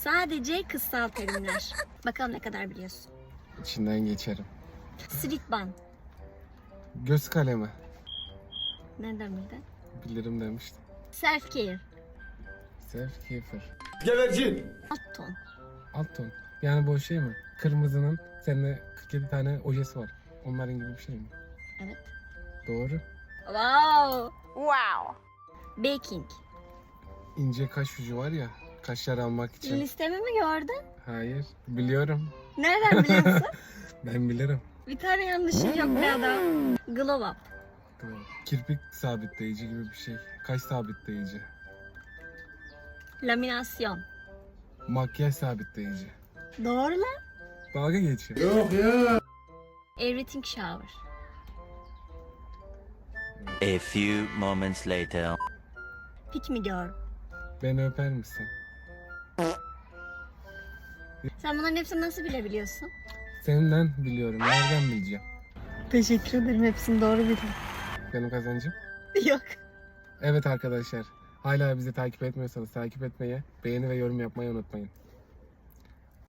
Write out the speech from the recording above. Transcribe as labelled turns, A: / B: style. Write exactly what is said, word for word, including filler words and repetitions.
A: Sadece kıssal terimler. Bakalım ne kadar biliyorsun.
B: İçinden geçerim.
A: Sritban.
B: Göz kalemi.
A: Nereden bildin?
B: Bilirim demiştim.
A: Self care.
B: Self keeper.
C: Gevercin.
A: Alt ton.
B: Alt ton. Yani bu şey mi? Kırmızının seninle kırk yedi tane ojesi var. Onların gibi bir şey mi?
A: Evet.
B: Doğru.
A: Wow. Wow. Baking.
B: İnce kaş ucu var ya. Kaşlar almak için.
A: Listemi mi gördün?
B: Hayır. Biliyorum.
A: Nereden biliyorsun?
B: Ben bilirim.
A: Bir tane yanlışın yok be adam. Glow up.
B: Kirpik sabitleyici gibi bir şey. Kaş sabitleyici.
A: Laminasyon.
B: Makyaj sabitleyici.
A: Doğru lan.
B: Dalga geçiyor.
C: Yok ya.
A: Everything shower.
D: A few moments later.
A: Pick me girl.
B: Beni öper misin?
A: Sen bunların hepsini nasıl bilebiliyorsun?
B: Senden biliyorum. Nereden bileceğim?
A: Teşekkür ederim. Hepsini doğru bildim.
B: Benim kazancım.
A: Yok.
B: Evet arkadaşlar. Hala bizi takip etmiyorsanız takip etmeyi, beğeni ve yorum yapmayı unutmayın.